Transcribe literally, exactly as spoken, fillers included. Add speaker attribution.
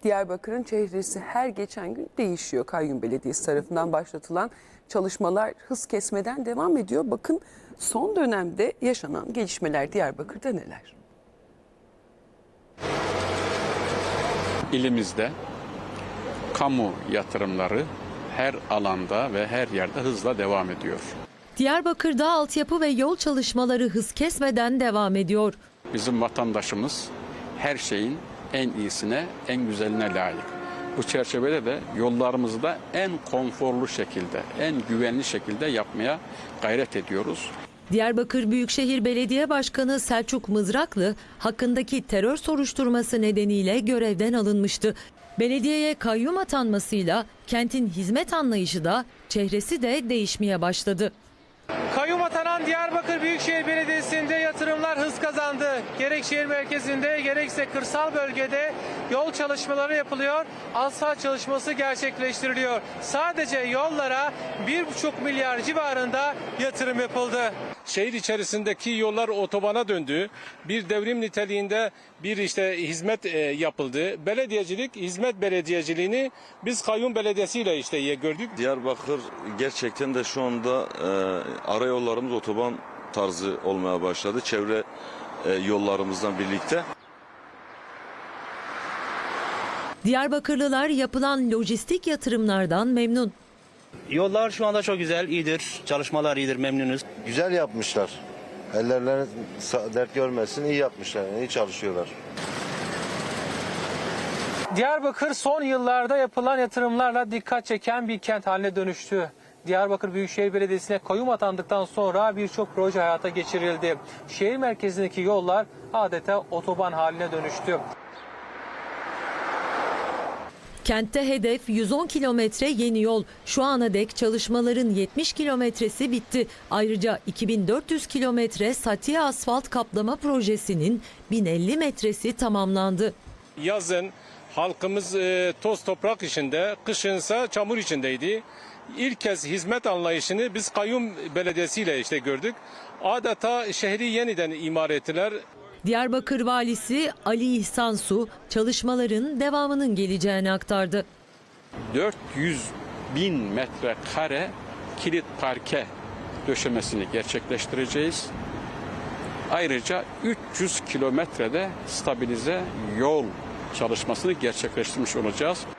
Speaker 1: Diyarbakır'ın çehresi her geçen gün değişiyor. Kayyum Belediyesi tarafından başlatılan çalışmalar hız kesmeden devam ediyor. Bakın son dönemde yaşanan gelişmeler Diyarbakır'da neler?
Speaker 2: İlimizde kamu yatırımları her alanda ve her yerde hızla devam ediyor.
Speaker 3: Diyarbakır'da altyapı ve yol çalışmaları hız kesmeden devam ediyor.
Speaker 2: Bizim vatandaşımız her şeyin en iyisine, en güzeline layık. Bu çerçevede de yollarımızı da en konforlu şekilde, en güvenli şekilde yapmaya gayret ediyoruz.
Speaker 3: Diyarbakır Büyükşehir Belediye Başkanı Selçuk Mızraklı hakkındaki terör soruşturması nedeniyle görevden alınmıştı. Belediyeye kayyum atanmasıyla kentin hizmet anlayışı da çehresi de değişmeye başladı.
Speaker 4: Kayyum atanan Diyarbakır Büyükşehir Belediyesi'nde yatırımlar hız kazandı. Gerek şehir merkezinde gerekse kırsal bölgede yol çalışmaları yapılıyor. Asfalt çalışması gerçekleştiriliyor. Sadece yollara bir buçuk milyar civarında yatırım yapıldı.
Speaker 5: Şehir içerisindeki yollar otobana döndü. Bir devrim niteliğinde bir işte hizmet e, yapıldı. Belediyecilik, hizmet belediyeciliğini biz kayyum belediyesiyle işte gördük.
Speaker 6: Diyarbakır gerçekten de şu anda e, arayollarımız otoban tarzı olmaya başladı. Çevre e, yollarımızdan birlikte.
Speaker 3: Diyarbakırlılar yapılan lojistik yatırımlardan memnun.
Speaker 7: Yollar şu anda çok güzel, iyidir. Çalışmalar iyidir, memnunuz.
Speaker 8: Güzel yapmışlar. Ellerine dert görmesin, iyi yapmışlar, iyi çalışıyorlar.
Speaker 4: Diyarbakır son yıllarda yapılan yatırımlarla dikkat çeken bir kent haline dönüştü. Diyarbakır Büyükşehir Belediyesi'ne kayyum atandıktan sonra birçok proje hayata geçirildi. Şehir merkezindeki yollar adeta otoban haline dönüştü.
Speaker 3: Kentte hedef yüz on kilometre yeni yol. Şu ana dek çalışmaların yetmiş kilometresi bitti. Ayrıca iki bin dört yüz kilometre Satiye asfalt kaplama projesinin bin elli metresi tamamlandı.
Speaker 5: Yazın halkımız e, toz toprak içinde, kışınsa çamur içindeydi. İlk kez hizmet anlayışını biz kayyum belediyesiyle işte gördük. Adeta şehri yeniden imar ettiler.
Speaker 3: Diyarbakır Valisi Ali İhsan Su çalışmaların devamının geleceğini aktardı.
Speaker 2: dört yüz bin metrekare kilit parke döşemesini gerçekleştireceğiz. Ayrıca üç yüz kilometrede stabilize yol çalışmasını gerçekleştirmiş olacağız.